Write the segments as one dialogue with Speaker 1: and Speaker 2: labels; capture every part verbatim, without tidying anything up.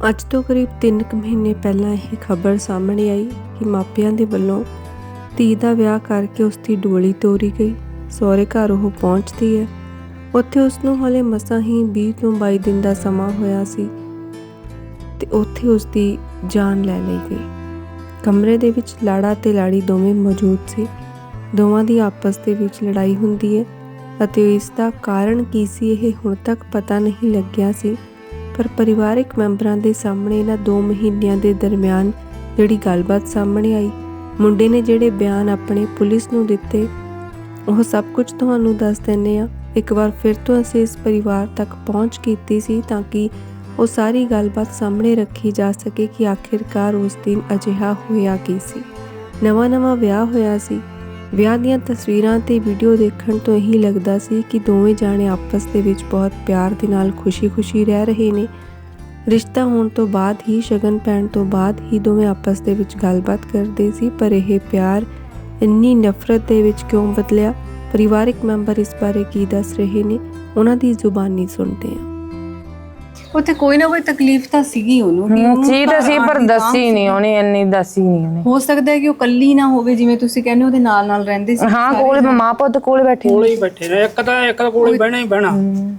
Speaker 1: ਅੱਜ ਤੋਂ ਕਰੀਬ ਤਿੰਨ ਕੁ ਮਹੀਨੇ ਪਹਿਲਾਂ ਇਹ ਖਬਰ ਸਾਹਮਣੇ ਆਈ ਕਿ ਮਾਪਿਆਂ ਦੇ ਵੱਲੋਂ ਧੀ ਦਾ ਵਿਆਹ ਕਰਕੇ ਉਸ ਦੀ ਡੋਲੀ ਤੋਰੀ ਗਈ। ਸਹੁਰੇ ਘਰ ਉਹ ਪਹੁੰਚਦੀ ਹੈ। ਉੱਥੇ ਉਸ ਨੂੰ ਹਾਲੇ ਮਸਾਂ ਹੀ ਵੀਹ ਤੋਂ ਬਾਈ ਦਿਨ ਦਾ ਸਮਾਂ ਹੋਇਆ ਸੀ ਤੇ ਉੱਥੇ ਉਸ ਦੀ ਜਾਨ ਲੈ ਲਈ ਗਈ। ਕਮਰੇ ਦੇ ਵਿੱਚ ਲਾੜਾ ਤੇ ਲਾੜੀ ਦੋਵੇਂ ਮੌਜੂਦ ਸੀ। ਦੋਵਾਂ ਦੀ ਆਪਸ ਦੇ ਵਿੱਚ ਲੜਾਈ ਹੁੰਦੀ ਹੈ ਅਤੇ ਇਸ ਦਾ ਕਾਰਨ ਕੀ ਸੀ ਇਹ ਹੁਣ ਤੱਕ ਪਤਾ ਨਹੀਂ ਲੱਗਿਆ ਸੀ। ਪਰ ਪਰਿਵਾਰਕ ਮੈਂਬਰਾਂ ਦੇ ਸਾਹਮਣੇ ਇਹਨਾਂ ਦੋ ਮਹੀਨਿਆਂ ਦੇ ਦਰਮਿਆਨ ਜਿਹੜੀ ਗੱਲਬਾਤ ਸਾਹਮਣੇ ਆਈ, ਮੁੰਡੇ ਨੇ ਜਿਹੜੇ ਬਿਆਨ ਆਪਣੇ ਪੁਲਿਸ ਨੂੰ ਦਿੱਤੇ, ਉਹ ਸਭ ਕੁਝ ਤੁਹਾਨੂੰ ਦੱਸ ਦਿੰਦੇ ਹਾਂ। ਇੱਕ ਵਾਰ ਫਿਰ ਤੋਂ ਅਸੀਂ ਇਸ ਪਰਿਵਾਰ ਤੱਕ ਪਹੁੰਚ ਕੀਤੀ ਸੀ ਤਾਂ ਕਿ ਉਹ ਸਾਰੀ ਗੱਲਬਾਤ ਸਾਹਮਣੇ ਰੱਖੀ ਜਾ ਸਕੇ ਕਿ ਆਖਿਰਕਾਰ ਉਸ ਦਿਨ ਅਜਿਹਾ ਹੋਇਆ ਕੀ ਸੀ। ਨਵਾਂ ਨਵਾਂ ਵਿਆਹ ਹੋਇਆ ਸੀ। ਵਿਆਹ ਦੀਆਂ ਤਸਵੀਰਾਂ ਤੇ ਵੀਡੀਓ ਦੇਖਣ ਤੋਂ ਇਹੀ ਲੱਗਦਾ ਸੀ ਕਿ ਦੋਵੇਂ ਜਾਣੇ ਆਪਸ ਦੇ ਵਿੱਚ ਬਹੁਤ ਪਿਆਰ ਦੇ ਨਾਲ ਖੁਸ਼ੀ-ਖੁਸ਼ੀ ਰਹਿ ਰਹੇ ਨੇ। ਰਿਸ਼ਤਾ ਹੋਣ ਤੋਂ ਬਾਅਦ ਹੀ, ਸ਼ਗਨ ਪੈਣ ਤੋਂ ਬਾਅਦ ਹੀ ਦੋਵੇਂ ਆਪਸ ਦੇ ਵਿੱਚ ਗੱਲਬਾਤ ਕਰਦੇ ਸੀ। ਪਰ ਇਹ ਪਿਆਰ ਇੰਨੀ ਨਫ਼ਰਤ ਦੇ ਵਿੱਚ ਕਿਉਂ ਬਦਲਿਆ? ਪਰਿਵਾਰਕ ਮੈਂਬਰ ਇਸ ਬਾਰੇ ਕੀ ਦੱਸ ਰਹੇ ਨੇ, ਉਹਨਾਂ ਦੀ ਜ਼ੁਬਾਨੀ ਸੁਣਦੇ ਹਾਂ।
Speaker 2: ਉੱਥੇ ਕੋਈ ਨਾ ਕੋਈ ਤਕਲੀਫ ਤਾਂ ਸੀਗੀ ਉਹਨੂੰ,
Speaker 3: ਸੀ ਤਾਂ ਸੀ ਪਰ ਦੱਸੀ ਨਹੀਂ ਉਹਨੇ, ਇੰਨੀ ਦੱਸੀ ਨਹੀਂ ਉਹਨੇ।
Speaker 2: ਹੋ ਸਕਦਾ ਹੈ ਕਿ ਉਹ ਕੱਲੀ ਨਾ ਹੋਵੇ, ਜਿਵੇਂ ਤੁਸੀਂ ਕਹਿੰਦੇ ਉਹਦੇ ਨਾਲ ਨਾਲ ਰਹਿੰਦੇ ਸੀ।
Speaker 3: ਹਾਂ, ਕੋਲ ਮਾਂ ਪੁੱਤ ਕੋਲ ਬੈਠੇ
Speaker 4: ਕੋਲੇ ਹੀ ਬੈਠੇ ਨੇ। ਇੱਕ ਤਾਂ ਇੱਕ ਕੋਲੇ ਬਹਿਣਾ ਹੀ ਬਹਿਣਾ,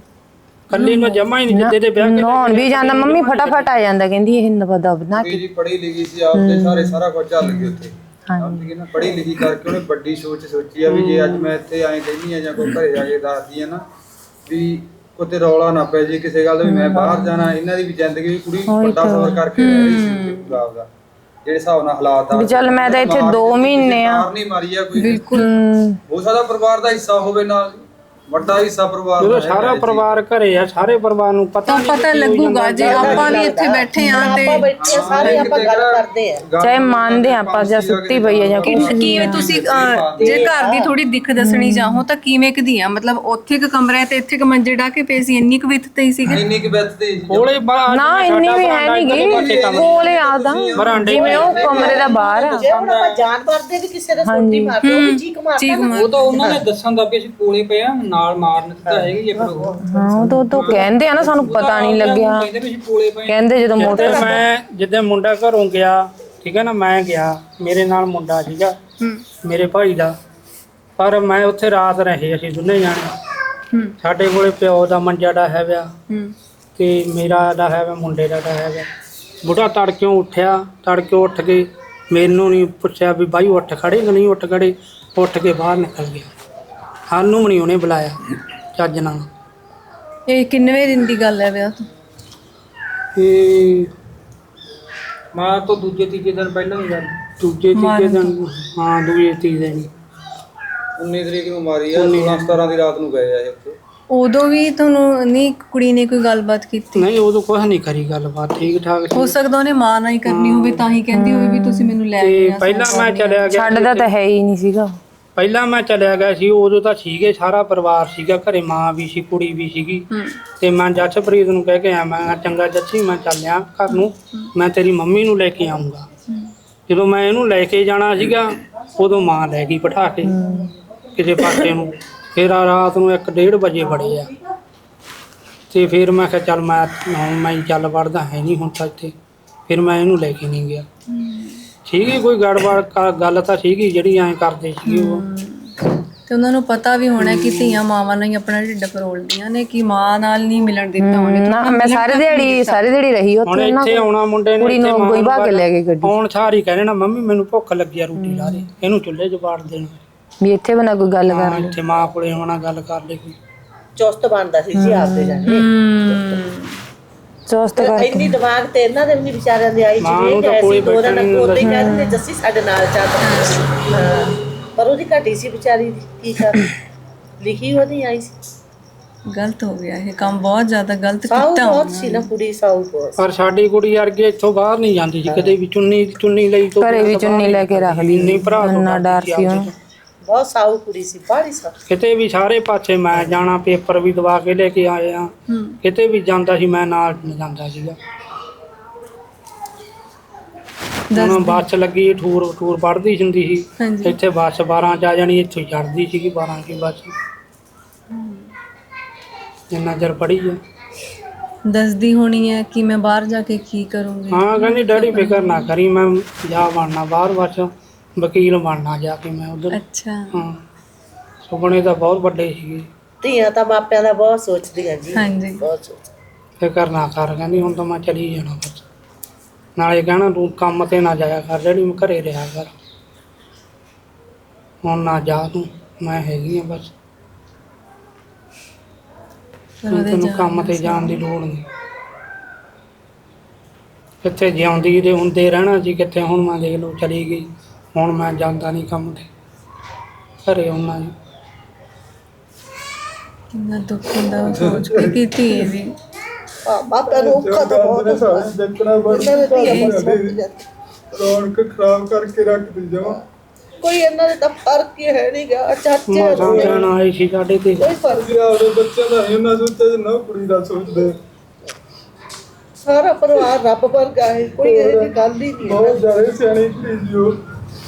Speaker 4: ਕੱਲੀ ਨੂੰ ਜਮਾ ਹੀ ਨਹੀਂ ਜਿੱਦੇ ਦੇ ਵਿਆਹ
Speaker 3: ਨਹਾਉਣ ਵੀ ਜਾਂਦਾ, ਮੰਮੀ ਫਟਾਫਟ ਆ ਜਾਂਦਾ, ਕਹਿੰਦੀ ਇਹ ਨਵਦਾ ਬਣਾ ਕੇ
Speaker 5: ਜੀ ਪੜ੍ਹੀ ਲਿਖੀ ਸੀ ਆਪਦੇ ਸਾਰੇ ਸਾਰਾ ਕੁਝ ਚੱਲ ਗਿਆ ਉੱਥੇ। ਹਾਂਜੀ ਨਾ, ਪੜ੍ਹੀ ਲਿਖੀ ਕਰਕੇ ਉਹਨੇ ਵੱਡੀ ਸੋਚ ਸੋਚੀ ਆ ਵੀ ਜੇ ਅੱਜ ਮੈਂ ਇੱਥੇ ਐਂ ਕਹਿੰਦੀ ਆ ਜਾਂ ਕੋਈ ਘਰੇ ਜਾ ਕੇ ਦੱਸਦੀ ਆ ਨਾ ਵੀ ਉੱਤੇ ਰੌਲਾ ਨਾ ਪੈ ਜੇ ਕਿਸੇ ਗੱਲ ਦਾ ਵੀ ਮੈਂ ਬਾਹਰ ਜਾਣਾ। ਇਹਨਾਂ ਦੀ ਵੀ ਜ਼ਿੰਦਗੀ ਵੀ ਕੁੜੀ ਵੱਡਾ ਸਫ਼ਰ ਕਰਕੇ ਰਹਿ ਰਹੀ ਸੀ ਪੂਰਾ ਆਪਦਾ, ਜਿਹੜੇ ਹਿਸਾਬ ਨਾਲ ਹਾਲਾਤ ਆ।
Speaker 3: ਚੱਲ ਮੈਂ ਤਾਂ ਇੱਥੇ ਦੋ ਮਹੀਨੇ ਆ,
Speaker 5: ਨਹੀਂ ਮਾਰੀ ਆ ਕੋਈ,
Speaker 2: ਬਿਲਕੁਲ
Speaker 5: ਹੋ ਸਕਦਾ ਪਰਿਵਾਰ ਦਾ ਹਿੱਸਾ ਹੋਵੇ ਨਾਲ, ਵੱਡਾ ਹਿੱਸਾ ਪਰਿਵਾਰ ਦਾ।
Speaker 4: ਜਦੋਂ ਸਾਰਾ ਪਰਿਵਾਰ ਘਰੇ ਆ, ਸਾਰੇ ਪਰਿਵਾਰ ਨੂੰ ਪਤਾ
Speaker 2: ਪਤਾ ਲੱਗੂਗਾ ਜੇ ਆਪਾਂ ਵੀ ਇੱਥੇ ਬੈਠੇ ਆ ਤੇ
Speaker 6: ਸਾਰੇ ਆਪਾਂ ਗੱਲ ਕਰਦੇ ਆ,
Speaker 3: ਚਾਹੇ ਮੰਨਦੇ ਆ ਆਪਾਂ ਜਾਂ ਸੁੱਤੀ ਪਈ ਆ ਜਾਂ
Speaker 2: ਕਿਵੇਂ ਤੁਸੀਂ ਜੇ ਘਰ ਦੀ ਥੋੜੀ ਦਿੱਖ ਦੱਸਣੀ ਚਾਹੋ ਤਾਂ ਕਿਵੇਂ ਕਦੀ ਆ? ਮਤਲਬ ਉੱਥੇ ਇੱਕ ਕਮਰਾ ਤੇ ਇੱਥੇ ਇੱਕ ਮੰਜੇ ਡਾ ਕੇ ਪਏ ਸੀ, ਇੰਨੀ ਕੁ ਵਿੱਥ ਤੇ ਹੀ ਸੀਗੇ।
Speaker 5: ਇੰਨੀ ਕੁ ਵਿੱਥ ਤੇ
Speaker 4: ਕੋਲੇ
Speaker 3: ਨਾ, ਇੰਨੀ ਵੀ ਹੈ ਨਹੀਂ ਗੀ, ਕੋਲੇ ਆਦਾ ਜਿਵੇਂ ਉਹ ਕਮਰੇ ਦਾ ਬਾਹਰ ਆ।
Speaker 6: ਜੇ ਹੁਣ ਆਪਾਂ ਜਾਨ ਮਾਰਦੇ ਵੀ ਕਿਸੇ ਦੇ ਸੋਟੀ ਮਾਰਦੇ ਉਹ ਵੀ ਚੀਕ ਮਾਰਦਾ।
Speaker 4: ਉਹ ਤਾਂ ਉਹਨਾਂ ਨੇ ਦੱਸਣ ਦਾ ਵੀ ਅਸੀਂ ਕੋਲੇ ਪਏ ਆ, ਨਾਲ ਮਾਰਨ ਤਾਂ ਹੈਗੀ ਪਰ ਉਹ
Speaker 3: ਹਾਂ, ਉਹ ਤਾਂ ਉਹ ਕਹਿੰਦੇ ਆ ਨਾ, ਸਾਨੂੰ ਪਤਾ ਨਹੀਂ ਲੱਗਿਆ।
Speaker 4: ਕਹਿੰਦੇ ਵੀ ਅਸੀਂ ਕੋਲੇ ਪਏ।
Speaker 3: ਕਹਿੰਦੇ ਜਦੋਂ ਮੋਟਰ
Speaker 4: ਮੈਂ ਜਿੱਦਾਂ ਮੁੰਡਾ ਘਰੋਂ ਗਿਆ, ਠੀਕ ਹੈ ਨਾ, ਮੈਂ ਗਿਆ, ਮੇਰੇ ਨਾਲ ਮੁੰਡਾ ਸੀਗਾ ਮੇਰੇ ਭਾਈ ਦਾ, ਪਰ ਮੈਂ ਉੱਥੇ ਰਾਤ ਰਹੇ, ਅਸੀਂ ਦੋਨੇ ਜਾਣੇ। ਸਾਡੇ ਕੋਲੇ ਪਿਓ ਦਾ ਮੰਜਾ ਡਾ ਹੈ ਵਿਆ ਤੇ ਮੇਰਾ ਦਾ ਹੈ ਮੁੰਡੇ ਦਾ ਹੈ ਵਿਆ। ਬੁੱਢਾ ਤੜਕਿਓਂ ਉੱਠਿਆ, ਤੜਕੇ ਉੱਠ ਕੇ ਮੈਨੂੰ ਨਹੀਂ ਪੁੱਛਿਆ ਵੀ ਬਾਈ ਉੱਠ ਖੜੇ ਕਿ ਨਹੀਂ ਉੱਠ ਖੜੇ, ਉੱਠ ਕੇ ਬਾਹਰ ਨਿਕਲ ਗਿਆ। ਸਾਨੂੰ ਵੀ ਨਹੀਂ ਉਹਨੇ ਬੁਲਾਇਆ ਚੱਜ ਨਾਲ।
Speaker 2: ਇਹ ਕਿੰਨਵੇਂ ਦਿਨ ਦੀ ਗੱਲ ਹੈ ਵਿਆਹ ਤੋਂ?
Speaker 4: ਇਹ ਮਾਂ ਤੋਂ ਦੂਜੇ ਤੀਜੇ ਦਿਨ ਪਹਿਲਾਂ ਦੀ ਗੱਲ, ਦੂਜੇ ਤੀਜੇ ਦਿਨ, ਹਾਂ ਦੂਜੇ ਤੀਜੇ ਦਿਨ।
Speaker 5: ਉੱਨੀ ਤਰੀਕ ਨੂੰ ਮਾਰੀ ਆ, ਸੋਲਾਂ ਸਤਾਰਾਂ ਦੀ ਰਾਤ ਨੂੰ ਗਏ ਆ ਉੱਥੇ।
Speaker 2: ਉਦੋਂ ਵੀ ਤੁਹਾਨੂੰ ਨਹੀਂ ਕੁੜੀ ਨੇ ਕੋਈ ਗੱਲਬਾਤ ਕੀਤੀ?
Speaker 4: ਨਹੀਂ, ਉਦੋਂ ਕੁਛ ਨਹੀਂ ਕਰੀ ਗੱਲਬਾਤ, ਠੀਕ ਠਾਕ
Speaker 2: ਹੋ ਸਕਦਾ ਉਹਨੇ ਮਾਂ ਨਾਲ ਹੀ ਕਰਨੀ ਹੋਵੇ, ਤਾਂ ਹੀ ਕਹਿੰਦੀ ਹੋਵੇ ਵੀ ਤੁਸੀਂ ਮੈਨੂੰ ਲੈ
Speaker 4: ਤੇ
Speaker 2: ਕੇ।
Speaker 4: ਪਹਿਲਾਂ ਮੈਂ ਚਲਿਆ ਗਿਆ,
Speaker 3: ਛੱਡਦਾ ਤਾਂ ਹੈ ਹੀ ਨਹੀਂ ਸੀਗਾ।
Speaker 4: ਪਹਿਲਾਂ ਮੈਂ ਚਲਿਆ ਗਿਆ ਸੀ, ਉਦੋਂ ਤਾਂ ਸੀਗੇ, ਸਾਰਾ ਪਰਿਵਾਰ ਸੀਗਾ ਘਰੇ, ਮਾਂ ਵੀ ਸੀ, ਕੁੜੀ ਵੀ ਸੀਗੀ। ਤੇ ਮੈਂ ਜੱਸਪ੍ਰੀਤ ਨੂੰ ਕਹਿ ਕੇ ਆਇਆ, ਮੈਂ ਚੰਗਾ ਜੱਸੀ, ਮੈਂ ਚੱਲਿਆ ਘਰ ਨੂੰ, ਮੈਂ ਤੇਰੀ ਮੰਮੀ ਨੂੰ ਲੈ ਕੇ ਆਊਂਗਾ। ਜਦੋਂ ਮੈਂ ਇਹਨੂੰ ਲੈ ਕੇ ਜਾਣਾ ਸੀਗਾ, ਉਦੋਂ ਮਾਂ ਲੈ ਗਈ ਬਿਠਾ ਕੇ ਕਿਸੇ ਪਾਸੇ ਨੂੰ। ਫਿਰ ਰਾਤ ਨੂੰ ਇੱਕ ਡੇਢ ਵਜੇ ਬੜੇ ਆ, ਤੇ ਫਿਰ ਮੈਂ ਕਿਹਾ ਚੱਲ ਮੈਂ ਹੁਣ ਮੈਂ ਚੱਲ ਵੜਦਾ ਹੈ ਨਹੀਂ ਹੁਣ ਤਾਂ ਇੱਥੇ। ਫਿਰ ਮੈਂ ਇਹਨੂੰ ਲੈ ਕੇ ਨਹੀਂ ਗਿਆ। ਸੀਗੀ ਕੋਈ ਗੜਬੜ ਗੱਲ ਤਾਂ ਸੀਗੀ ਜਿਹੜੀ ਐਂ ਕਰਦੇ ਸੀਗੇ ਉਹ।
Speaker 2: ਤੇ ਉਹਨਾਂ ਨੂੰ ਪਤਾ ਵੀ ਹੋਣਾ ਕਿ ਧੀਆਂ ਮਾਵਾਂ ਨਾਲ ਹੀ ਆਪਣਾ ਢਿੱਡ ਫਰੋਲਦੀਆਂ ਨੇ, ਕਿ ਮਾਂ ਨਾਲ ਨਹੀਂ ਮਿਲਣ ਦਿੱਤਾ ਉਹਨੇ।
Speaker 3: ਨਾ, ਮੈਂ ਸਾਰੇ ਦਿਹਾੜੀ ਸਾਰੀ ਦਿਹਾੜੀ ਰਹੀ
Speaker 4: ਹੁਣ
Speaker 3: ਉੱਥੇ।
Speaker 4: ਇੱਥੇ ਆਉਣਾ ਮੁੰਡੇ ਨੇ,
Speaker 3: ਕੁੜੀ ਨੂੰ ਕੋਈ ਬਾ ਕੇ ਲੈ ਕੇ ਗੱਡੀ
Speaker 4: ਹੁਣ ਸਾਰੀ ਕਹਿੰਦੇ ਨਾ ਮੰਮੀ ਮੈਨੂੰ ਭੁੱਖ ਲੱਗੀ ਆ, ਰੋਟੀ ਲਾ ਦੇ, ਇਹਨੂੰ ਚੁੱਲ੍ਹੇ 'ਚ ਬਾੜ ਦੇਣਾ
Speaker 3: ਵੀ ਇੱਥੇ ਬਣਾ ਕੋਈ ਗੱਲ ਕਰ ਲੈ,
Speaker 4: ਇੱਥੇ ਮਾਂ ਕੋਲੇ ਆਉਣਾ, ਗੱਲ ਕਰ ਲੈ ਕੋਈ।
Speaker 6: ਚੁਸਤ ਬਣਦਾ ਸੀ ਜੀ ਆਪਦੇ ਜਾਣੇ।
Speaker 3: ਚੁਸਤ ਕਰ
Speaker 6: ਇੰਨੀ ਦਿਮਾਗ ਤੇ ਇਹਨਾਂ ਦੇ ਵੀ ਨਹੀਂ ਵਿਚਾਰਿਆਂ ਦੇ ਆਈ ਜਿਵੇਂ ਕਿ ਐਸੀ ਦੋ ਦਿਨ ਕੋਲ ਹੀ ਕਹਿੰਦੇ ਜੱਸੀ ਸਾਡੇ ਨਾਲ ਚੱਲ। ਹਾਂ, ਪਰ ਉਹਦੀ ਘਟੀ ਸੀ ਵਿਚਾਰੀ ਦੀ, ਕੀ ਕਰ ਲਿਖੀ ਉਹਦੀ ਆਈ ਸੀ।
Speaker 2: ਗਲਤ ਹੋ ਗਿਆ ਇਹ ਕੰਮ, ਬਹੁਤ ਜ਼ਿਆਦਾ ਗਲਤ
Speaker 6: ਸਾਊ
Speaker 2: ਕੀਤਾ
Speaker 6: ਬਹੁਤ ਸੀ ਨਾ ਕੁੜੀ, ਸਾਊ ਬਹੁਤ।
Speaker 4: ਪਰ ਸਾਡੀ ਕੁੜੀ ਵਰਗੀ ਇੱਥੋਂ ਬਾਹਰ ਨਹੀਂ ਜਾਂਦੀ ਸੀ ਕਦੇ ਵੀ, ਚੁੰਨੀ ਚੁੰਨੀ ਲਈ ਤੋਂ
Speaker 3: ਘਰੇ ਵੀ ਚੁੰਨੀ ਲੈ ਕੇ ਰੱਖਦੀ,
Speaker 4: ਨਹੀਂ ਭਰਾ
Speaker 3: ਇੰਨਾ ਡਰ ਸੀ ਉਹਨੂੰ।
Speaker 6: ਬਹੁਤ ਸਾਊ ਕੁੜੀ ਸੀ, ਬਾਹਲੀ ਸਾਊ।
Speaker 4: ਕਿਤੇ ਵੀ ਸਾਰੇ ਪਾਸੇ ਮੈਂ ਜਾਣਾ, ਪੇਪਰ ਵੀ ਦਵਾ ਕੇ ਲੈ ਕੇ ਆਏ ਆ, ਕਿਤੇ ਵੀ ਜਾਂਦਾ ਸੀ ਮੈਂ ਨਾਲ ਜਾਂਦਾ ਸੀਗਾ। ਹੁਣ ਬੱਸ ਲੱਗੀ, ਠੂਰ ਠੂਰ ਪੜ੍ਹਦੀ ਹੁੰਦੀ ਸੀ ਇੱਥੇ, ਬੱਸ ਬਾਰਾਂ 'ਚ ਆ ਜਾਣੀ, ਇੱਥੋਂ ਚੜ੍ਹਦੀ ਸੀਗੀ ਬਾਰਾਂ ਕੀ ਬੱਸ, ਜਿੰਨਾ ਚਿਰ ਪੜ੍ਹੀ ਆ।
Speaker 2: ਦੱਸਦੀ ਹੋਣੀ ਹੈ ਕਿ ਮੈਂ ਬਾਹਰ ਜਾ ਕੇ ਕੀ ਕਰੂੰਗੀ।
Speaker 4: ਹਾਂ ਕਹਿੰਦੀ ਡੈਡੀ ਫਿਕਰ ਨਾ ਕਰੀ, ਮੈਂ ਜਾ ਬਣਨਾ ਬਾਹਰ, ਬਸ ਵਕੀਲ ਬਣਨਾ ਜਾ ਕੇ ਮੈਂ ਉਧਰ।
Speaker 2: ਅੱਛਾ।
Speaker 4: ਹਾਂ ਸੁਪਨੇ ਤਾਂ ਬਹੁਤ ਵੱਡੇ ਸੀਗੇ।
Speaker 6: ਧੀਆਂ ਤਾਂ ਮਾਪਿਆਂ ਦਾ ਬਹੁਤ ਸੋਚਦੀਆਂ ਜੀ,
Speaker 2: ਹਾਂਜੀ।
Speaker 6: ਬਹੁਤ ਸੋਚ।
Speaker 4: ਫਿਕਰ ਨਾ ਕਰ ਕਹਿੰਦੀ, ਹੁਣ ਤਾਂ ਮੈਂ ਚਲੀ ਜਾਣਾ ਬਸ। ਨਾਲੇ ਕਹਿਣਾ ਤੂੰ ਕੰਮ ਤੇ ਨਾ ਜਾਇਆ ਕਰ ਡੈਡੀ, ਮੈਂ ਘਰੇ ਰਿਹਾ ਕਰ, ਹੁਣ ਨਾ ਜਾ ਤੂੰ, ਮੈਂ ਹੈਗੀ ਆ ਬਸ, ਹੁਣ ਤੈਨੂੰ ਕੰਮ ਤੇ ਜਾਣ ਦੀ ਲੋੜ ਨਹੀਂ। ਕਿੱਥੇ ਜਿਉਂਦੀ ਦੇ ਹੁੰਦੇ ਰਹਿਣਾ ਸੀ, ਕਿੱਥੇ ਹੁਣ ਮੈਂ ਦੇਖ ਲਓ ਚਲੀ ਗਈ, ਹੁਣ ਮੈਂ ਜਾਂਦਾ ਨਹੀਂ ਕੰਮ ਤੇ, ਘਰੇ ਆਉਣਾ ਜੀ।
Speaker 2: ਕਿੰਨਾ ਦੁੱਖ ਹੁੰਦਾ ਉਹ ਸੋਚ ਕੇ ਕਿ ਧੀ ਵੀ
Speaker 6: ਹਾਂ ਮਾਪਿਆਂ ਨੂੰ ਔਖਾ ਤਾਂ ਬਹੁਤ ਹੁੰਦਾ।
Speaker 5: ਦੇਖਣਾ ਬੜਾ ਰੌਣਕ ਖਰਾਬ ਕਰਕੇ ਰੱਖਦੀ ਜਾਵਾਂ।
Speaker 6: ਕੋਈ ਇਹਨਾਂ ਦੇ ਤਾਂ ਫਰਕ ਹੀ ਹੈ ਨਹੀਂ ਗਾ। ਚਾਚੇ
Speaker 4: ਮਾਂ ਕਹਿਣ ਆਏ ਸੀ ਸਾਡੇ ਤੇ,
Speaker 6: ਕੋਈ ਫਰਕ
Speaker 5: ਜੀ ਆਪਣੇ ਬੱਚਿਆਂ ਦਾ ਇਹਨਾਂ ਸੋਚਿਆ ਨਾ ਕੁੜੀ ਦਾ ਸੋਚਦੇ।
Speaker 6: ਸਾਰਾ ਪਰਿਵਾਰ ਰੱਬ ਵਰਗਾ ਹੈ, ਕੋਈ ਇਹ ਜਿਹੀ ਗੱਲ ਹੀ ਨਹੀਂ ਹੈ।
Speaker 5: ਬਹੁਤ ਜ਼ਿਆਦਾ ਸਿਆਣੀ ਧੀ ਜੀ ਉਹ।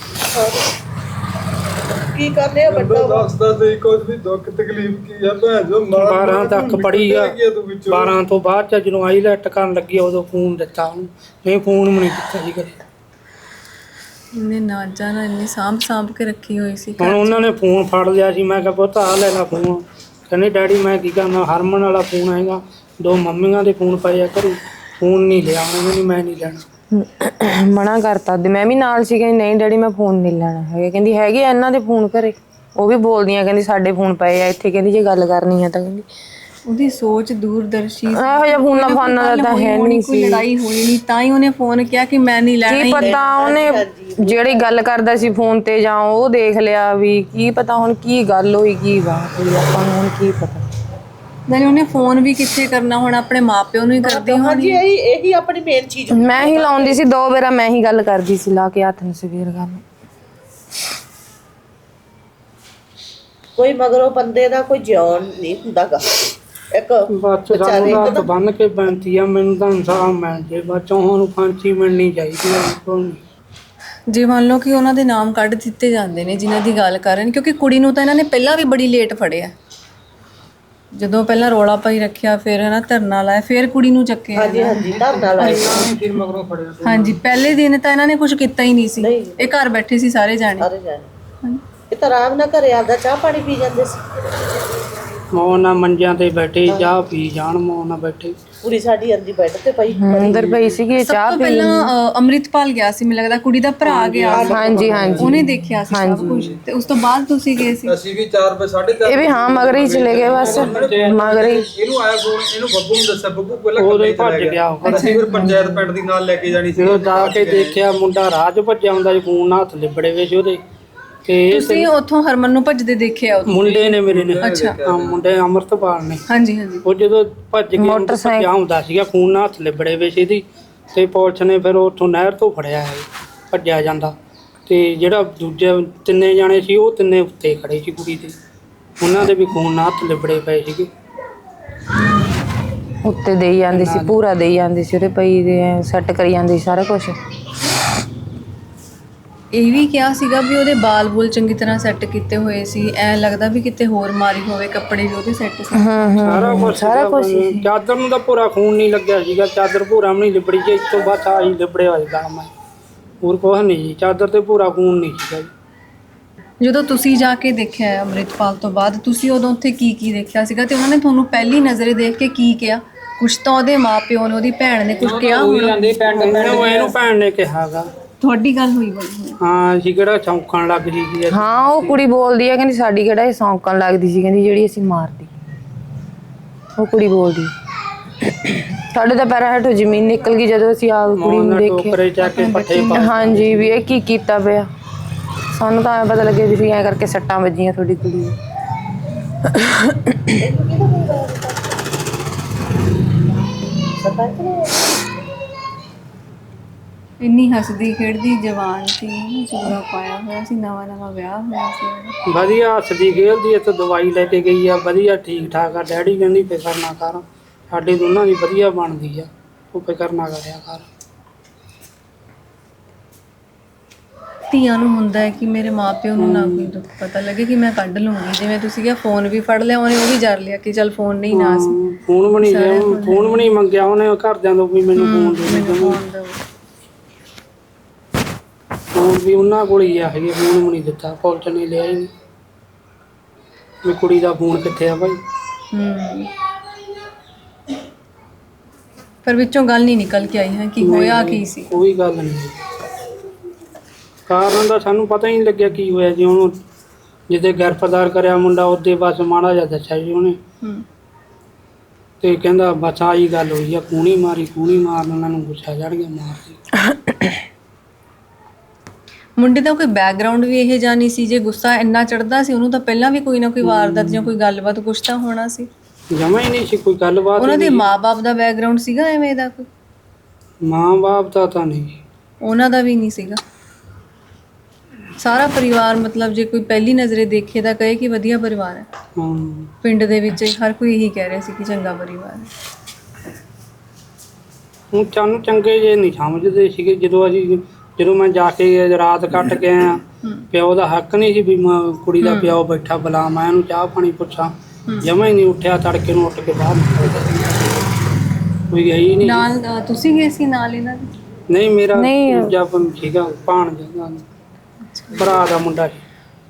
Speaker 6: ਕੀ ਕਰਨੇ ਆ ਵੱਡਾ ਵਾ।
Speaker 5: ਦੱਸਦਾ ਤੇ ਕੁਝ ਵੀ ਦੁੱਖ ਤਕਲੀਫ ਕੀ ਆ ਭੈਣ ਜੋ ਮਾਂ
Speaker 4: ਬਾਰਾਂ ਤੱਕ ਪੜ੍ਹੀ ਆ, ਬਾਰਾਂ ਤੋਂ ਬਾਅਦ ਚ ਜਦੋਂ ਆਈਲੈਟ ਕਰਨ ਲੱਗੀ ਉਦੋਂ ਫੋਨ ਦਿੱਤਾ ਉਹਨੂੰ, ਇਹ ਫੋਨ ਵੀ ਨਹੀਂ ਦਿੱਤਾ ਜੀ ਕਦੇ।
Speaker 2: ਇਹਨੇ ਨਾ ਜਾਣਾ ਇੰਨੀ ਸਾਂਭ ਸਾਂਭ ਕੇ ਰੱਖੀ ਹੋਈ ਸੀ।
Speaker 4: ਹੁਣ ਉਹਨਾਂ ਨੇ ਫੋਨ ਫੜ ਲਿਆ ਸੀ, ਮੈਂ ਕਿਹਾ ਪੁੱਤ ਆ ਲੈ ਲਾ ਫੋਨ। ਕਹਿੰਦੇ ਡੈਡੀ ਮੈਂ ਕੀ ਕਰਨਾ, ਹਰਮਨ ਵਾਲਾ ਫੋਨ ਆਏਗਾ, ਦੋ ਮੰਮੀਆਂ ਦੇ ਫੋਨ ਪਏ ਆ ਘਰੇ, ਫੋਨ ਨਹੀਂ ਲਿਆ ਉਹਨੇ, ਨਹੀਂ ਮੈਂ ਨਹੀਂ ਲੈਣਾ।
Speaker 3: ਮਨਾ ਕਰਤਾ ਤੇ ਮੈਂ ਵੀ ਨਾਲ ਸੀ, ਕਹਿੰਦੀ ਨਹੀਂ ਡੈਡੀ ਮੈਂ ਫੋਨ ਨਹੀਂ ਲੈਣਾ ਹੈਗਾ। ਕਹਿੰਦੀ ਹੈਗੇ ਆ ਇਹਨਾਂ ਦੇ ਫੋਨ ਘਰੇ, ਉਹ ਵੀ ਬੋਲਦੀਆਂ, ਕਹਿੰਦੀ ਸਾਡੇ ਫੋਨ ਪਏ ਆ ਇੱਥੇ, ਕਹਿੰਦੀ ਜੇ ਗੱਲ ਕਰਨੀ ਹੈ ਤਾਂ ਕਹਿੰਦੀ।
Speaker 2: ਉਹਦੀ ਸੋਚ ਦੂਰਦਰਸ਼ੀ ਸੀ।
Speaker 3: ਇਹੋ ਜਿਹਾ ਫੋਨਾਂ ਫਾਨਾਂ ਦਾ ਤਾਂ ਹੈ ਨਹੀਂ
Speaker 2: ਕੋਈ
Speaker 3: ਸੀ।
Speaker 2: ਲੜਾਈ ਹੋਈ ਨਹੀਂ ਤਾਂ ਹੀ ਉਹਨੇ ਫੋਨ ਕਿਹਾ ਕਿ ਮੈਂ ਨਹੀਂ ਲੈਣਾ।
Speaker 3: ਕੀ ਪਤਾ ਉਹਨੇ ਜਿਹੜੀ ਗੱਲ ਕਰਦਾ ਸੀ ਫੋਨ ਤੇ ਜਾਂ ਉਹ ਦੇਖ ਲਿਆ ਵੀ, ਕੀ ਪਤਾ ਹੁਣ ਕੀ ਗੱਲ ਹੋਈ ਕੀ ਬਾਤ ਹੋਈ, ਆਪਾਂ ਨੂੰ ਹੁਣ ਕੀ ਪਤਾ।
Speaker 2: ਨਾਲੇ ਉਹਨੇ ਫੋਨ ਵੀ ਕਿੱਥੇ ਕਰਨਾ, ਹੁਣ ਆਪਣੇ ਮਾਪਿਓ ਨੂੰ ਹੀ ਕਰਦੀ ਹੋਣੀ।
Speaker 6: ਹਾਂਜੀ ਇਹੀ ਇਹੀ ਆਪਣੀ ਮੇਨ ਚੀਜ਼।
Speaker 3: ਮੈਂ ਹੀ ਲਾਉਂਦੀ ਸੀ ਦੋ ਵਾਰਾ, ਮੈਂ ਹੀ ਗੱਲ ਕਰਦੀ ਸੀ ਲਾ ਕੇ ਹੱਥ ਨੂੰ ਸਵੇਰ ਗੱਲ।
Speaker 6: ਕੋਈ ਮਗਰੋਂ ਬੰਦੇ ਦਾ ਕੋਈ ਜਿਉਣ ਨਹੀਂ ਹੁੰਦਾਗਾ। ਇੱਕ
Speaker 4: ਬਸ ਸਾਨੂੰ ਹੱਥ ਬੰਨ ਕੇ ਬੇਨਤੀ ਆ, ਮੈਨੂੰ ਤਾਂ ਇਨਸਾਫ ਮਿਲ ਜੇ, ਬੱਚੋਂ ਨੂੰ ਫਾਂਸੀ ਮਿਲਣੀ ਚਾਹੀਦੀ ਹੈ।
Speaker 2: ਜੇ ਮੰਨ ਲਓ ਕਿ ਉਹਨਾਂ ਦੇ ਨਾਮ ਕੱਢ ਦਿੱਤੇ ਜਾਂਦੇ ਨੇ ਜਿਨ੍ਹਾਂ ਦੀ ਗੱਲ ਕਰਨ, ਕਿਉਂਕਿ ਕੁੜੀ ਨੂੰ ਤਾਂ ਇਹਨਾਂ ਨੇ ਪਹਿਲਾਂ ਵੀ ਬੜੀ ਲੇਟ ਫੜਿਆ, ਜਦੋਂ ਪਹਿਲਾਂ ਰੋਲਾ ਪਾਈ ਰੱਖਿਆ, ਫਿਰ ਹਨਾ ਧਰਨਾ ਲਾਇਆ, ਫਿਰ ਕੁੜੀ ਨੂੰ ਚੱਕਿਆ।
Speaker 6: ਹਾਂਜੀ ਹਾਂਜੀ ਧਰਨਾ ਲਾਇਆ।
Speaker 2: ਹਾਂਜੀ ਪਹਿਲੇ ਦਿਨ ਤਾਂ ਇਹਨਾਂ ਨੇ ਕੁਝ ਕੀਤਾ ਹੀ ਨਹੀਂ ਸੀ, ਇਹ ਘਰ ਬੈਠੇ ਸੀ ਸਾਰੇ ਜਾਣੇ।
Speaker 6: ਸਾਰੇ ਜਾਣੇ ਇਹ ਤਾਂ ਆਰਾਮ ਨਾਲ ਘਰੇ ਆਪਦਾ ਚਾਹ ਪਾਣੀ ਪੀ ਜਾਂਦੇ ਸੀ।
Speaker 4: ਮੌਂ ਨਾਲ ਮੰਜਿਆਂ ਤੇ ਬੈਠੇ ਚਾਹ ਪੀ ਜਾਣ, ਮੌਂ ਨਾਲ ਬੈਠੇ।
Speaker 6: ਕੁੜੀ ਸਾਡੀ ਅੰਦੀ ਬੈੱਡ ਤੇ ਪਈ
Speaker 3: ਅੰਦਰ ਪਈ ਸੀਗੀ
Speaker 2: ਸਭ
Speaker 3: ਚਾਹ
Speaker 2: ਤੋਂ
Speaker 3: ਪੀ।
Speaker 2: ਪਹਿਲਾਂ ਅ, ਅੰਮ੍ਰਿਤਪਾਲ ਗਿਆ ਸੀ, ਮੈਨੂੰ ਲੱਗਦਾ ਕੁੜੀ ਦਾ ਭਰਾ ਗਿਆ ਸੀ।
Speaker 3: ਹਾਂਜੀ ਹਾਂਜੀ
Speaker 2: ਉਹਨੇ ਦੇਖਿਆ ਸੀ ਸਭ ਕੁਝ, ਤੇ ਉਸ ਤੋਂ ਬਾਅਦ ਤੁਸੀਂ ਗਏ ਸੀ।
Speaker 5: ਅਸੀਂ ਵੀ ਚਾਰ ਵਜੇ ਸਾਢੇ ਚਾਰ
Speaker 3: ਇਹ ਵੀ ਹਾਂ ਮਗਰ ਹੀ ਚਲੇ ਗਏ ਬਸ, ਮਗਰ ਹੀ।
Speaker 5: ਇਹਨੂੰ ਆਇਆ ਫੋਨ, ਇਹਨੂੰ ਬੱਬੂ ਨੂੰ ਦੱਸਿਆ, ਬੱਬੂ ਪਹਿਲਾਂ
Speaker 4: ਉਦੋਂ ਹੀ ਭੱਜ ਗਿਆ ਉਹ।
Speaker 5: ਅਸੀਂ ਫਿਰ ਪੰਚਾਇਤ ਪਿੰਡ ਦੀ ਨਾਲ ਲੈ ਕੇ ਜਾਣੀ ਸੀ।
Speaker 4: ਜਦੋਂ ਜਾ ਕੇ ਦੇਖਿਆ ਮੁੰਡਾ ਰਾਹ 'ਚ ਭੱਜਿਆ ਹੁੰਦਾ ਸੀ, ਫੋਨ ਨਾਲ ਹੱਥ ਲਿਬੜੇ ਵੇ ਸੀ ਉਹਦੇ। ਤੇ
Speaker 2: ਤੁਸੀਂ ਉੱਥੋਂ ਹਰਮਨ ਨੂੰ ਭੱਜਦੇ ਦੇਖਿਆ ਉੱਥੇ?
Speaker 4: ਮੁੰਡੇ ਨੇ ਮੇਰੇ ਨੇ,
Speaker 2: ਅੱਛਾ।
Speaker 4: ਹਾਂ ਮੁੰਡੇ ਅਮਰਤਪਾਲ ਨੇ।
Speaker 2: ਹਾਂਜੀ ਹਾਂਜੀ।
Speaker 4: ਉਹ ਜਦੋਂ ਭੱਜ ਕੇ ਭੱਜਿਆ ਹੁੰਦਾ ਸੀਗਾ, ਖੂਨ ਨਾਲ ਹੱਥ ਲਿਬੜੇ ਵੇ ਸੀ ਇਹਦੀ, ਤੇ ਪੁਲਿਸ ਨੇ ਫਿਰ ਉੱਥੋਂ ਨਹਿਰ ਤੋਂ ਫੜਿਆ ਹੈ ਭੱਜਿਆ ਜਾਂਦਾ। ਤੇ ਜਿਹੜਾ ਦੂਜੇ ਤਿੰਨੇ ਜਾਣੇ ਸੀ ਉਹ ਤਿੰਨੇ ਉੱਤੇ ਖੜੇ ਸੀ ਕੁੜੀ ਦੇ, ਉਹਨਾਂ ਦੇ ਵੀ ਖੂਨ ਨਾਲ ਹੱਥ ਲਿਬੜੇ ਪਏ ਸੀਗੇ।
Speaker 3: ਉੱਤੇ ਦੇਈ ਜਾਂਦੀ ਸੀ, ਪੂਰਾ ਦੇਈ ਜਾਂਦੀ ਸੀ ਉਹਦੇ ਪਈ ਦੇ, ਸੈੱਟ ਕਰੀ ਜਾਂਦੀ ਸੀ ਸਾਰਾ ਕੁਝ।
Speaker 2: ਇਹ ਵੀ ਕਿਹਾ ਸੀਗਾ ਵੀ ਉਹਦੇ ਬਾਲ ਬੁਲ ਚੰਗੀ ਤਰ੍ਹਾਂ ਸੈੱਟ ਕੀਤੇ ਹੋਏ ਸੀ, ਐ ਲੱਗਦਾ ਵੀ ਕਿਤੇ ਹੋਰ ਮਾਰੀ ਹੋਵੇ, ਕੱਪੜੇ ਵੀ ਉਹਦੇ ਸੈੱਟ ਸੀ।
Speaker 4: ਸਾਰਾ ਕੁਝ ਸਾਰਾ ਕੁਝ। ਚਾਦਰ ਨੂੰ ਤਾਂ ਪੂਰਾ ਖੂਨ ਨਹੀਂ ਲੱਗਿਆ ਸੀਗਾ, ਚਾਦਰ ਪੂਰਾ ਵੀ ਨਹੀਂ ਲਿਬੜੀ ਜੀ, ਇਸ ਤੋਂ ਬਾਅਦ ਆਹੀ ਲਿਬੜਿਆ ਹੋਏਗਾ ਮੈਂ, ਹੋਰ ਕੁਛ ਨਹੀਂ ਜੀ, ਚਾਦਰ ਤੇ ਪੂਰਾ ਖੂਨ ਨਹੀਂ ਸੀਗਾ ਜੀ।
Speaker 2: ਜਦੋਂ ਤੁਸੀਂ ਜਾ ਕੇ ਦੇਖਿਆ ਅੰਮ੍ਰਿਤਪਾਲ ਤੋਂ ਬਾਅਦ, ਤੁਸੀਂ ਉਦੋਂ ਉੱਥੇ ਕੀ ਕੀ ਦੇਖਿਆ ਸੀਗਾ, ਤੇ ਉਹਨਾਂ ਨੇ ਤੁਹਾਨੂੰ ਪਹਿਲੀ ਨਜ਼ਰੇ ਦੇਖ ਕੇ ਕੀ ਕਿਹਾ? ਕੁਛ ਤਾਂ ਉਹਦੇ ਮਾਪਿਓ ਨੇ, ਉਹਦੀ ਭੈਣ ਨੇ ਕੁਝ ਕਿਹਾ ਹੋਣਾ।
Speaker 4: ਇਹਨੂੰ ਭੈਣ ਨੇ ਕਿਹਾਗਾ,
Speaker 2: ਤੁਹਾਡੀ ਗੱਲ ਹੋਈ ਬੜੀ?
Speaker 4: ਹਾਂ ਅਸੀਂ ਕਿਹੜਾ ਚੌਂਕਣ ਲੱਗ ਜੀ ਸੀ।
Speaker 3: ਹਾਂ ਉਹ ਕੁੜੀ ਬੋਲਦੀ ਹੈ, ਕਹਿੰਦੀ ਸਾਡੀ ਕਿਹੜਾ ਇਹ ਸੌਂਕਣ ਲੱਗਦੀ ਸੀ, ਕਹਿੰਦੀ ਜਿਹੜੀ ਅਸੀਂ ਮਾਰਦੀ। ਉਹ ਕੁੜੀ ਬੋਲਦੀ ਸਾਡੇ ਤਾਂ ਪੈਰਾਂ ਹੇਠੋਂ ਜ਼ਮੀਨ ਨਿਕਲ ਗਈ ਜਦੋਂ ਅਸੀਂ ਆ ਕੁੜੀ ਨੂੰ ਦੇਖਿਆ। ਹਾਂਜੀ ਵੀ ਇਹ ਕੀ ਕੀਤਾ ਪਿਆ, ਸਾਨੂੰ ਤਾਂ ਐਂ ਪਤਾ ਲੱਗਿਆ ਵੀ ਤੁਸੀਂ ਐਂ ਕਰਕੇ ਸੱਟਾਂ ਵੱਜੀਆਂ ਤੁਹਾਡੀ ਕੁੜੀ ਨੂੰ।
Speaker 2: ਇੰਨੀ ਹੱਸਦੀ ਖੇਡਦੀ ਜਵਾਨ ਸੀ, ਚੂੜਾ ਪਾਇਆ ਹੋਇਆ ਸੀ, ਨਵਾਂ ਨਵਾਂ ਵਿਆਹ ਹੋਇਆ ਸੀ।
Speaker 4: ਵਧੀਆ ਹੱਸਦੀ ਖੇਡਦੀ, ਇੱਥੇ ਦਵਾਈ ਲੈ ਕੇ ਗਈ ਆ, ਵਧੀਆ ਠੀਕ ਠਾਕ ਆ। ਡੈਡੀ ਕਹਿੰਦੀ ਫਿਕਰ ਨਾ ਕਰ, ਸਾਡੇ ਦੋਨਾਂ ਦੀ ਵਧੀਆ ਬਣਦੀ ਆ, ਤੂੰ ਫਿਕਰ ਨਾ ਕਰਿਆ ਕਰ।
Speaker 2: ਧੀਆਂ ਨੂੰ ਹੁੰਦਾ ਹੈ ਕਿ ਮੇਰੇ ਮਾਪਿਓ ਨੂੰ ਨਾ ਕੋਈ ਦੁੱਖ ਪਤਾ ਲੱਗੇ ਕਿ ਮੈਂ ਕੱਢ ਲੂੰਗੀ। ਜਿਵੇਂ ਤੁਸੀਂ ਕਿਹਾ ਫੋਨ ਵੀ ਫੜ ਲਿਆ ਉਹਨੇ, ਉਹ ਵੀ ਜਰ ਲਿਆ ਕਿ ਚੱਲ ਫੋਨ ਨਹੀਂ ਨਾ ਸੀ,
Speaker 4: ਫੋਨ ਵੀ ਨਹੀਂ ਲਿਆ, ਫੋਨ ਵੀ ਨਹੀਂ ਮੰਗਿਆ ਉਹਨੇ ਘਰਦਿਆਂ ਤੋਂ ਵੀ ਮੈਨੂੰ ਫੋਨ ਦੇ
Speaker 2: ਮੈਨੂੰ ਫੋਨ ਦਿਓ।
Speaker 4: ਫੋਨ ਵੀ ਉਹਨਾਂ ਕੋਲ ਹੀ ਆ ਹੈਗੇ, ਫੋਨ ਵੀ ਨਹੀਂ ਦਿੱਤਾ, ਪੁਲਿਸ ਨੇ ਲਿਆ ਹੀ ਨਹੀਂ ਵੀ ਕੁੜੀ ਦਾ ਫੋਨ ਕਿੱਥੇ ਆ ਭਾਈ।
Speaker 2: ਹੂੰ ਪਰ ਵਿੱਚੋਂ ਗੱਲ ਨਹੀਂ ਨਿਕਲ ਕੇ ਆਈ ਹੈ ਕਿ ਹੋਇਆ ਕੀ ਸੀ।
Speaker 4: ਕੋਈ ਗੱਲ ਨਹੀਂ, ਕਾਰਨ ਦਾ ਸਾਨੂੰ ਪਤਾ ਹੀ ਨਹੀਂ ਲੱਗਿਆ ਕੀ ਹੋਇਆ ਜੀ। ਉਹਨੂੰ ਜਿੱਦੇ ਗ੍ਰਿਫਤਾਰ ਕਰਿਆ ਮੁੰਡਾ ਉਹਦੇ ਬਸ ਮਾੜਾ ਜਿਹਾ ਦੱਸਿਆ ਜੀ ਉਹਨੇ,
Speaker 2: ਹੂੰ
Speaker 4: ਤੇ ਕਹਿੰਦਾ ਬਸ ਆਹੀ ਗੱਲ ਹੋਈ ਆ, ਕੂਣੀ ਮਾਰੀ ਕੂਣੀ ਮਾਰਨ ਉਹਨਾਂ ਨੂੰ ਗੁੱਸਾ ਚੜ ਗਿਆ, ਮਾਰ
Speaker 2: ਮੁੰਡੇ ਦਾ ਕੋਈ ਬੈਕਗ੍ਰਾਉਂਡ ਵੀ ਇਹ ਜਾਂ ਨਹੀਂ ਸੀ? ਜੇ ਗੁੱਸਾ ਇੰਨਾ ਚੜਦਾ ਸੀ ਉਹਨੂੰ ਤਾਂ ਪਹਿਲਾਂ ਵੀ ਕੋਈ ਨਾ ਕੋਈ ਵਾਰਦਾਤ ਜਾਂ ਕੋਈ ਗੱਲਬਾਤ ਕੁਛ ਤਾਂ ਹੋਣਾ ਸੀ।
Speaker 4: ਜਮਾ ਹੀ ਨਹੀਂ ਸੀ ਕੋਈ ਗੱਲਬਾਤ।
Speaker 2: ਉਹਨਾਂ ਦੇ ਮਾਪੇ ਦਾ ਬੈਕਗ੍ਰਾਉਂਡ ਸੀਗਾ ਐਵੇਂ ਦਾ ਕੋਈ?
Speaker 4: ਮਾਂ ਬਾਪ ਦਾ ਤਾਂ ਨਹੀਂ,
Speaker 2: ਉਹਨਾਂ ਦਾ ਵੀ ਨਹੀਂ ਸੀਗਾ। ਸਾਰਾ ਪਰਿਵਾਰ ਮਤਲਬ ਜੇ ਕੋਈ ਪਹਿਲੀ ਨਜ਼ਰੇ ਦੇਖੇ ਤਾਂ ਕਹੇ ਕਿ ਵਧੀਆ ਪਰਿਵਾਰ ਹੈ।
Speaker 4: ਹਾਂ
Speaker 2: ਪਿੰਡ ਦੇ ਵਿੱਚ ਹਰ ਕੋਈ ਇਹੀ ਕਹਿ ਰਿਹਾ ਸੀ ਕਿ ਚੰਗਾ ਪਰਿਵਾਰ ਹੈ।
Speaker 4: ਹੁਣ ਸਾਨੂੰ ਚੰਗੇ ਜੇ ਨਹੀਂ ਸਮਝਦੇ ਸੀਗੇ। ਜਦੋਂ ਅਸੀਂ ਜਦੋਂ ਮੈਂ ਜਾ ਕੇ ਰਾਤ ਕੱਟ ਕੇ ਆਇਆ, ਪਿਓ ਦਾ ਹੱਕ ਨਹੀਂ ਸੀ ਵੀ ਮੈਂ ਕੁੜੀ ਦਾ ਪਿਓ ਬੈਠਾ ਬੁਲਾ ਮੈਂ ਇਹਨੂੰ ਚਾਹ ਪਾਣੀ ਪੁੱਛਾਂ, ਜਮਾ ਹੀ ਨਹੀਂ ਉੱਠਿਆ। ਤੜਕੇ ਨੂੰ ਉੱਠ ਕੇ ਬਾਹਰ ਨਿਕਲ ਕੋਈ ਗਈ ਨਹੀਂ
Speaker 2: ਨਾਲ। ਅ, ਤੁਸੀਂ ਗਏ ਸੀ ਨਾਲ ਇਹਨਾਂ ਦੇ?
Speaker 4: ਨਹੀਂ, ਮੇਰਾ ਦੂਜਾ ਸੀਗਾ ਭਾਣ ਦਾ ਭਰਾ ਦਾ ਮੁੰਡਾ ਸੀ।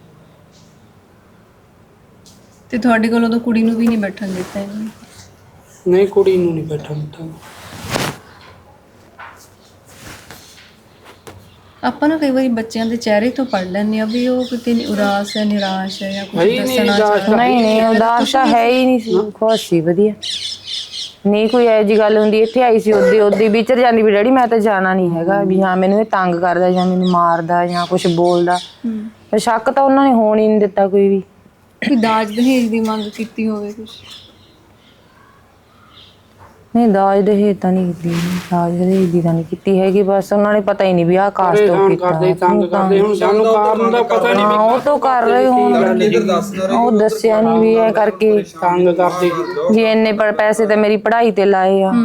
Speaker 2: ਤੇ ਤੁਹਾਡੇ ਕੋਲ ਉਦੋਂ ਕੁੜੀ ਨੂੰ ਵੀ ਨਹੀਂ ਬੈਠਣ ਦਿੱਤਾ ਇਹਨਾਂ ਨੇ?
Speaker 4: ਨਹੀਂ, ਕੁੜੀ ਨੂੰ ਨਹੀਂ ਬੈਠਣ ਦਿੱਤਾ।
Speaker 2: ਆਪਾਂ ਨਾ ਕਈ ਵਾਰੀ ਬੱਚਿਆਂ ਦੇ ਚਿਹਰੇ ਤੋਂ ਪੜ ਲੈਂਦੇ ਆ ਵੀ ਉਹ ਕਿਤੇ ਉਦਾਸ ਹੈ, ਨਿਰਾਸ਼ ਹੈ ਜਾਂ ਕੁਝ ਦੱਸਣਾ ਚਾਹੁੰਦਾ।
Speaker 3: ਨਹੀਂ ਨਹੀਂ ਉਦਾਸ ਤਾਂ ਹੈ ਹੀ ਨਹੀਂ ਸੀ, ਖੁਸ਼ ਸੀ, ਵਧੀਆ। ਨਹੀਂ ਕੋਈ ਇਹੋ ਜਿਹੀ ਗੱਲ ਹੁੰਦੀ। ਇੱਥੇ ਆਈ ਸੀ ਉਹਦੀ ਉਹਦੀ ਵਿਚਰ ਜਾਂਦੀ ਵੀ ਡੈਡੀ ਮੈਂ ਤਾਂ ਜਾਣਾ ਨਹੀਂ ਹੈਗਾ, ਵੀ ਹਾਂ ਮੈਨੂੰ ਇਹ ਤੰਗ ਕਰਦਾ ਜਾਂ ਮੈਨੂੰ ਮਾਰਦਾ ਜਾਂ ਕੁਝ ਬੋਲਦਾ। ਸ਼ੱਕ ਤਾਂ ਉਹਨਾਂ ਨੇ ਹੋਣ ਹੀ ਨਹੀਂ ਦਿੱਤਾ ਕੋਈ ਵੀ।
Speaker 2: ਕੋਈ ਦਾਜ ਦਹੇਜ ਦੀ ਮੰਗ ਕੀਤੀ ਹੋਵੇ ਕੁਝ?
Speaker 3: ਨਹੀਂ ਦਾਜ ਦਹੇਜ ਤਾਂ ਨਹੀਂ ਕੀਤੀ, ਦਾਜ ਦਹੇਜ ਦੀ ਤਾਂ ਨਹੀਂ ਕੀਤੀ ਹੈਗੀ। ਬਸ ਉਹਨਾਂ ਨੇ ਪਤਾ ਹੀ ਨਹੀਂ ਵੀ ਆਹ ਕਾਸਟ ਤੋਂ ਕੀਤਾ।
Speaker 4: ਤੰਗ ਕਰਦੇ ਹੁਣ ਸਾਨੂੰ ਕਾਰਨ ਦਾ ਪਤਾ ਨਹੀਂ।
Speaker 3: ਹਾਂ ਉਹ ਤੋਂ ਕਰ ਰਹੇ ਹੋਣ, ਉਹ ਦੱਸਿਆ ਨਹੀਂ ਵੀ ਇਹ ਕਰਕੇ
Speaker 4: ਤੰਗ ਕਰਦੇ
Speaker 3: ਜੀ ਇੰਨੇ ਪ- ਪੈਸੇ ਤਾਂ ਮੇਰੀ ਪੜ੍ਹਾਈ ਤੇ ਲਾਏ ਆ।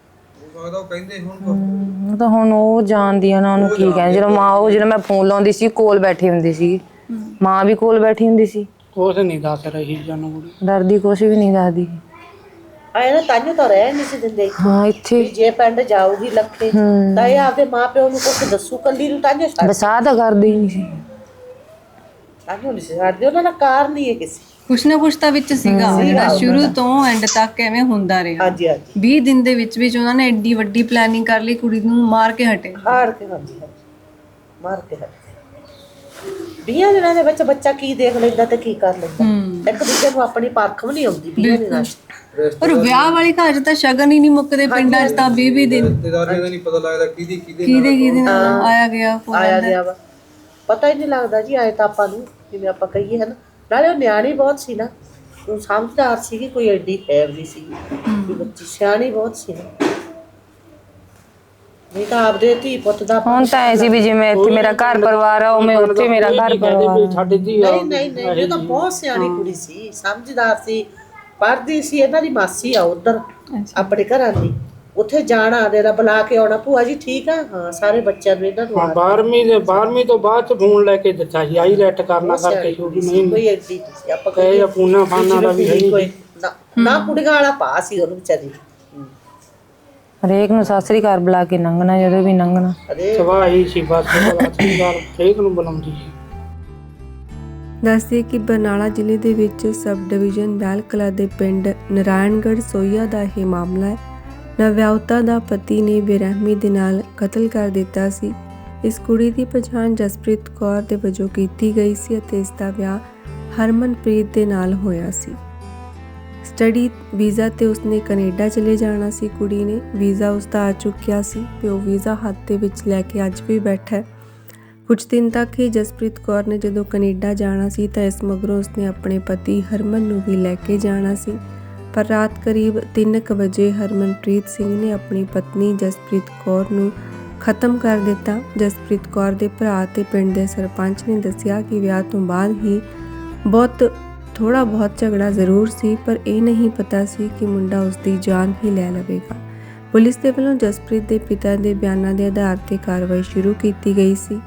Speaker 3: ਉਹ ਤਾਂ ਹੁਣ ਉਹ ਜਾਣਦੀ ਆ ਨਾ ਉਹਨੂੰ ਕੀ ਕਹਿੰਦੇ। ਜਦੋਂ ਮਾਂ ਉਹ ਜਦੋਂ ਮੈਂ ਫੋਨ ਲਾਉਂਦੀ ਸੀ ਕੋਲ ਬੈਠੀ ਹੁੰਦੀ ਸੀ, ਮਾਂ ਵੀ ਕੋਲ ਬੈਠੀ ਹੁੰਦੀ ਸੀ,
Speaker 4: ਕੁਛ ਨਹੀਂ ਦੱਸ ਰਹੀ ਜਾਨੂੰ,
Speaker 3: ਡਰਦੀ ਕੁਛ ਵੀ ਨਹੀਂ ਦੱਸਦੀ।
Speaker 6: ਆਏ ਨਾ ਤਾਂਿਓ ਤਾਂ ਰਹਿ ਨਹੀਂ ਸੀ ਦਿੰਦੇ।
Speaker 3: ਹਾਂ ਇੱਥੇ
Speaker 6: ਜੇ ਪਿੰਡ ਜਾਊਗੀ ਲੱਖੇ ਤਾਂ ਇਹ ਆਪਦੇ ਮਾਪਿਓ ਨੂੰ ਕੁਝ ਦੱਸੂ ਕੱਲੀ ਨੂੰ, ਤਾਂਿਓ ਛੱਡ
Speaker 3: ਬਸਾ ਤਾਂ ਕਰਦੀ ਨਹੀਂ ਸੀ,
Speaker 6: ਤਾਂਿਓ ਨਹੀਂ ਸੀ ਛੱਡਦੇ। ਉਹਨਾਂ ਦਾ ਕਾਰਨ ਹੀ ਹੈ ਕਿਸੇ।
Speaker 2: ਕੁਛ ਨਾ ਕੁਛ ਤਾਂ ਵਿੱਚ ਸੀਗਾ ਜਿਹੜਾ ਸ਼ੁਰੂ ਤੋਂ ਐਂਡ ਤੱਕ ਐਵੇਂ ਹੁੰਦਾ ਰਿਹਾ।
Speaker 6: ਹਾਂਜੀ ਹਾਂਜੀ
Speaker 2: ਵੀਹ ਦਿਨ ਦੇ ਵਿੱਚ ਵਿੱਚ ਉਹਨਾਂ ਨੇ ਐਡੀ ਵੱਡੀ ਪਲੈਨਿੰਗ ਕਰ ਲਈ, ਕੁੜੀ ਨੂੰ ਮਾਰ ਕੇ ਹਟੇ।
Speaker 6: ਹਾਰ ਕੇ ਹਾਂਜੀ ਹਾਂਜੀ ਮਾਰ ਕੇ ਹਟੇ। ਵੀਹਾਂ ਦਿਨਾਂ ਦੇ ਵਿੱਚ ਬੱਚਾ ਕੀ ਦੇਖ ਲੈਂਦਾ ਤੇ ਕੀ ਕਰ ਲੈਂਦਾ। ਇੱਕ ਦੂਜੇ ਨੂੰ ਆਪਣੀ ਪਰਖ ਵੀ ਨਹੀਂ ਆਉਂਦੀ ਵੀਹਾਂ ਦਿਨਾਂ ਚ।
Speaker 2: ਪਰ ਵਿਆਹ ਵਾਲੀ ਘਰ ਚ ਤਾਂ ਸ਼ਗਨ ਹੀ ਨਹੀਂ ਮੁੱਕਦੇ ਪਿੰਡਾਂ ਚ ਤਾਂ ਵੀਹ ਵੀਹ ਦਿਨ
Speaker 5: ਰਿਸ਼ਤੇਦਾਰੀਆਂ ਦਾ ਨਹੀਂ ਪਤਾ ਲੱਗਦਾ ਕਿਹਦੀ ਕਿਹਦੇ
Speaker 2: ਕਿਹਦੇ ਕਿਹਦੇ ਨਾਲ ਆਇਆ ਗਿਆ
Speaker 6: ਆਇਆ ਗਿਆ ਵਾ, ਪਤਾ ਹੀ ਨਹੀਂ ਲੱਗਦਾ ਜੀ। ਆਏ ਤਾਂ ਆਪਾਂ ਨੂੰ ਜਿਵੇਂ ਆਪਾਂ ਕਹੀਏ ਹੈ ਨਾ। ਨਾਲੇ ਉਹ ਨਿਆਣੀ ਬਹੁਤ ਸੀ ਨਾ, ਉਹ ਸਮਝਦਾਰ ਸੀਗੀ, ਕੋਈ ਐਡੀ ਖੈਰ ਨਹੀਂ ਸੀ ਵੀ ਬੱਚੀ, ਸਿਆਣੀ ਬਹੁਤ ਸੀ ਨਾ। ਨਹੀਂ ਤਾਂ ਆਪਦੇ ਧੀ ਪੁੱਤ ਦਾ
Speaker 3: ਹੁਣ ਤਾਂ ਐ ਸੀ ਵੀ ਜਿਵੇਂ ਇੱਥੇ ਮੇਰਾ ਘਰ ਪਰਿਵਾਰ ਆ ਉਵੇਂ ਉੱਥੇ ਮੇਰਾ ਘਰ ਪਰਿਵਾਰ।
Speaker 4: ਸਾਡੇ ਧੀ
Speaker 6: ਨਹੀਂ ਨਹੀਂ ਨਹੀਂ ਇਹ ਤਾਂ ਬਹੁਤ ਸਿਆਣੀ ਕੁੜੀ ਸੀ, ਸਮਝਦਾਰ ਸੀ, ਪੜ੍ਹਦੀ ਸੀ। ਇਹਨਾਂ ਦੀ ਮਾਸੀ ਆ ਉਧਰ ਆਪਣੇ ਘਰਾਂ ਦੀ, ਉੱਥੇ ਜਾਣਾ ਦੇ ਦਾ ਬੁਲਾ ਕੇ ਆਉਣਾ, ਭੂਆ ਜੀ ਠੀਕ ਆ, ਹਾਂ ਸਾਰੇ ਬੱਚਿਆਂ ਨੂੰ ਇਹਨਾਂ ਨੂੰ।
Speaker 4: ਬਾਰਵੀਂ ਦੇ ਬਾਰਵੀਂ ਤੋਂ ਬਾਅਦ ਚ ਫੋਨ ਲੈ ਕੇ ਦਿੱਤਾ ਸੀ, ਆਈ ਲੈਟ ਕਰਨਾ ਕਰਕੇ ਛੋਟੀ ਨਹੀਂ
Speaker 6: ਕੋਈ ਐਡੀ ਨਹੀਂ ਸੀ। ਆਪਾਂ
Speaker 4: ਕਹੇ ਜਾਂ ਪੂਨਾ ਖਾਨਾ ਦਾ ਵੀ ਹੈ
Speaker 6: ਕੋਈ ਨਾ ਨਾ ਕੁੜੀਆਂ ਵਾਲਾ ਪਾ ਸੀ ਉਹਨੂੰ ਵਿਚਾਰੀ।
Speaker 3: ਹਰੇਕ ਨੂੰ ਸਤਿ ਸ੍ਰੀ ਅਕਾਲ ਬੁਲਾ ਕੇ ਲੰਘਣਾ, ਜਦੋਂ ਵੀ ਲੰਘਣਾ
Speaker 6: ਅਰੇ
Speaker 4: ਸਵਾਈ ਸੀ ਬਸ ਅਸਲੀ ਗੱਲ ਹਰੇਕ ਨੂੰ ਬੁਲਾਉਂਦੀ ਸੀ।
Speaker 1: ਦੱਸਦੇ ਕਿ ਬਰਨਾਲਾ ਜ਼ਿਲ੍ਹੇ ਦੇ ਵਿੱਚ ਸਬ ਡਿਵੀਜ਼ਨ ਬੈਲ ਕਲਾ ਦੇ ਪਿੰਡ ਨਾਰਾਇਣਗੜ੍ਹ ਸੋਈਆ ਦਾ ਇਹ ਮਾਮਲਾ ਹੈ। ਨਵਿਆਹੁਤਾ ਦਾ ਪਤੀ ਨੇ ਬੇਰਹਿਮੀ ਦੇ ਨਾਲ ਕਤਲ ਕਰ ਦਿੱਤਾ ਸੀ। ਇਸ ਕੁੜੀ ਦੀ ਪਛਾਣ ਜਸਪ੍ਰੀਤ ਕੌਰ ਦੇ ਵਜੋਂ ਕੀਤੀ ਗਈ ਸੀ ਅਤੇ ਇਸ ਦਾ ਵਿਆਹ ਹਰਮਨਪ੍ਰੀਤ ਦੇ ਨਾਲ ਹੋਇਆ ਸੀ। ਸਟੱਡੀ ਵੀਜ਼ਾ ਤੇ ਉਸਨੇ ਕੈਨੇਡਾ ਚਲੇ ਜਾਣਾ ਸੀ। ਕੁੜੀ ਨੇ ਵੀਜ਼ਾ ਉਸਦਾ ਆ ਚੁੱਕਿਆ ਸੀ, ਪਿਓ ਵੀਜ਼ਾ ਹੱਥ ਦੇ ਵਿੱਚ ਲੈ ਕੇ ਅੱਜ ਵੀ ਬੈਠਾ ਹੈ। ਕੁਝ ਦਿਨ ਤੱਕ ਹੀ ਜਸਪ੍ਰੀਤ ਕੌਰ ਨੇ ਜਦੋਂ ਕੈਨੇਡਾ ਜਾਣਾ ਸੀ ਤਾਂ ਇਸ ਮਗਰੋਂ ਉਸਨੇ ਆਪਣੇ ਪਤੀ ਹਰਮਨ ਨੂੰ ਵੀ ਲੈ ਕੇ ਜਾਣਾ ਸੀ। ਪਰ ਰਾਤ ਕਰੀਬ ਤਿੰਨ ਕੁ ਵਜੇ ਹਰਮਨਪ੍ਰੀਤ ਸਿੰਘ ਨੇ ਆਪਣੀ ਪਤਨੀ ਜਸਪ੍ਰੀਤ ਕੌਰ ਨੂੰ ਖਤਮ ਕਰ ਦਿੱਤਾ। ਜਸਪ੍ਰੀਤ ਕੌਰ ਦੇ ਭਰਾ ਤੇ ਪਿੰਡ ਦੇ ਸਰਪੰਚ ਨੇ ਦੱਸਿਆ ਕਿ ਵਿਆਹ ਤੋਂ ਬਾਅਦ ਹੀ ਬਹੁਤ ਥੋੜਾ ਬਹੁਤ ਝਗੜਾ ਜ਼ਰੂਰ ਸੀ, ਪਰ ਇਹ ਨਹੀਂ ਪਤਾ ਸੀ ਕਿ ਮੁੰਡਾ ਉਸਦੀ ਜਾਨ ਹੀ ਲੈ ਲਵੇਗਾ। ਪੁਲਿਸ ਦੇ ਵੱਲੋਂ ਜਸਪ੍ਰੀਤ ਦੇ ਪਿਤਾ ਦੇ ਬਿਆਨਾਂ ਦੇ ਆਧਾਰ ਤੇ ਕਾਰਵਾਈ ਸ਼ੁਰੂ ਕੀਤੀ ਗਈ ਸੀ।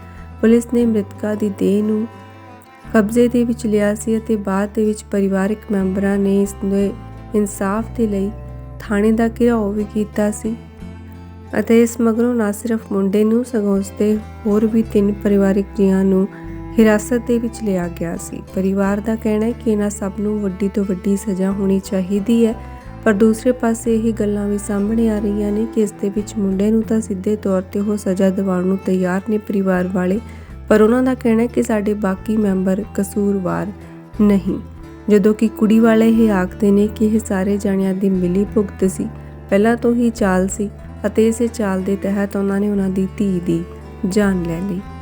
Speaker 1: ਪੁਲਿਸ ਨੇ ਮ੍ਰਿਤਕਾ ਦੀ ਦੇਹ ਨੂੰ ਕਬਜ਼ੇ ਦੇ ਵਿੱਚ ਲਿਆ ਸੀ ਅਤੇ ਬਾਅਦ ਦੇ ਵਿੱਚ ਪਰਿਵਾਰਕ ਮੈਂਬਰਾਂ ਨੇ ਇਸ ਦੇ ਇਨਸਾਫ ਦੇ ਲਈ ਥਾਣੇ ਦਾ ਘਿਰਾਓ ਵੀ ਕੀਤਾ ਸੀ ਅਤੇ ਇਸ ਮਗਰੋਂ ਨਾ ਸਿਰਫ ਮੁੰਡੇ ਨੂੰ ਸਗੋਂ ਉਸਦੇ ਹੋਰ ਵੀ ਤਿੰਨ ਪਰਿਵਾਰਕ ਜੀਆਂ ਨੂੰ ਹਿਰਾਸਤ ਦੇ ਵਿੱਚ ਲਿਆ ਗਿਆ ਸੀ। ਪਰਿਵਾਰ ਦਾ ਕਹਿਣਾ ਹੈ ਕਿ ਇਹਨਾਂ ਸਭ ਨੂੰ ਵੱਡੀ ਤੋਂ ਵੱਡੀ ਸਜ਼ਾ ਹੋਣੀ ਚਾਹੀਦੀ ਹੈ, ਪਰ ਦੂਸਰੇ ਪਾਸੇ ਇਹ ਗੱਲਾਂ ਵੀ ਸਾਹਮਣੇ ਆ ਰਹੀਆਂ ਨੇ ਕਿ ਇਸ ਦੇ ਵਿੱਚ ਮੁੰਡੇ ਨੂੰ ਤਾਂ ਸਿੱਧੇ ਤੌਰ ਤੇ ਉਹ ਸਜ਼ਾ ਦਿਵਾਉਣ ਨੂੰ ਤਿਆਰ ਨੇ ਪਰਿਵਾਰ ਵਾਲੇ, ਪਰ ਉਹਨਾਂ ਦਾ ਕਹਿਣਾ ਹੈ ਕਿ ਸਾਡੇ ਬਾਕੀ ਮੈਂਬਰ ਕਸੂਰਵਾਰ ਨਹੀਂ, ਜਦੋਂ ਕਿ ਕੁੜੀ ਵਾਲੇ ਇਹ ਆਖਦੇ ਨੇ ਕਿ ਇਹ ਸਾਰੇ ਜਾਣਿਆਂ ਦੀ ਮਿਲੀ ਭੁਗਤ ਸੀ, ਪਹਿਲਾਂ ਤੋਂ ਹੀ ਚਾਲ ਸੀ ਅਤੇ ਇਸੇ ਚਾਲ ਦੇ ਤਹਿਤ ਉਹਨਾਂ ਨੇ ਉਹਨਾਂ ਦੀ ਧੀ ਦੀ ਜਾਨ ਲੈ ਲਈ।